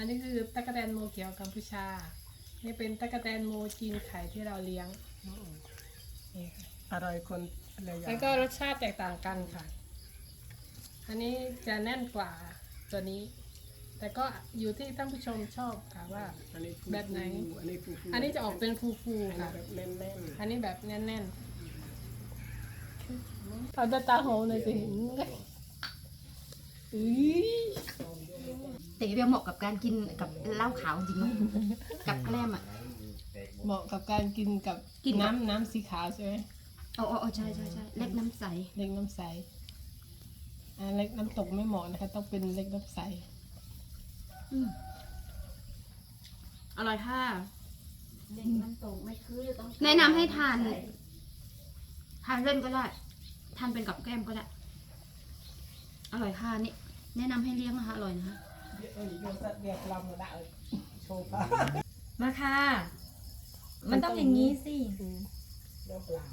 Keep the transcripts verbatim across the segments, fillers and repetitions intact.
อันนี้คือตั๊กแตนโมเขียวกัมพูชานี่เป็นตั๊กแตนโมจีนไข่ที่เราเลี้ยงนี่ค่ะอร่อยคนอะไรอย่างแล้วก็รสชาติแตกต่างกันค่ะ อันนี้จะแน่นกว่าตัวนี้ แต่ก็อยู่ที่ท่านผู้ชมชอบค่ะว่าอันนี้ฟูแบบไหนอันนี้ฟูฟูอันนี้จะออกเป็นฟูอันๆนี้ค่ะแบบแน่นอันนี้แบบแน่นๆเอาตาตาโหหน่อยสิอุ้ยแต่เรียกเหมาะกับการกินกับเหล้าขาวจริงเนาะกับแกล้มอ่ะเหมาะกับการกินกับกินกับน้ำน้ำสีขาวใช่ไหมอ๋ออ๋อใช่ใช่ใช่เล็กน้ำใสเล็กน้ำใสอ่าเล็กน้ำตกไม่เหมาะนะคะ ต้องเป็นเล็กน้ำใสอืมอร่อยค่ะเด็กมันตกไม่คือต้องแนะนำให้ทานทานเล่นก็ได้ทานเป็นกับแกล้มก็ได้อร่อยค่ะนี่แนะนำให้เลี้ยงนะคะอร่อยนะคะๆเอ้ยโยนสัตว์เดียวลำก็ได้โชว์ปลามาค่ะ มันต้องอย่างนี้สิเดี๋ยวเปล่า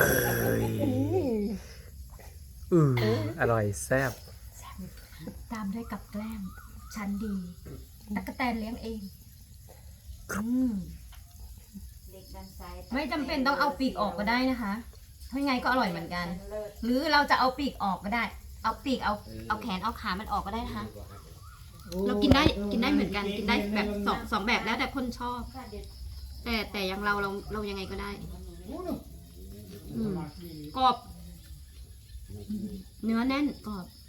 อืออร่อยแซ่บตามด้วยกับแกล้มชั้นดีตั๊กแตนเลี้ยงเองอืมไม่จำเป็นต้องเอาปีกออกก็ได้นะคะถ้าไงก็อร่อยเหมือนกัน หรือเราจะเอาปีกออกก็ได้ เอาปีกเอาเอาแขนเอาขามันออกก็ได้นะคะ เรากินได้กินได้เหมือนกันกินได้แบบสองสองแบบแล้วแต่คนชอบ แต่แต่อย่างเราเราเรายังไงก็ได้อืมกรอบ เนื้อแน่นกรอบ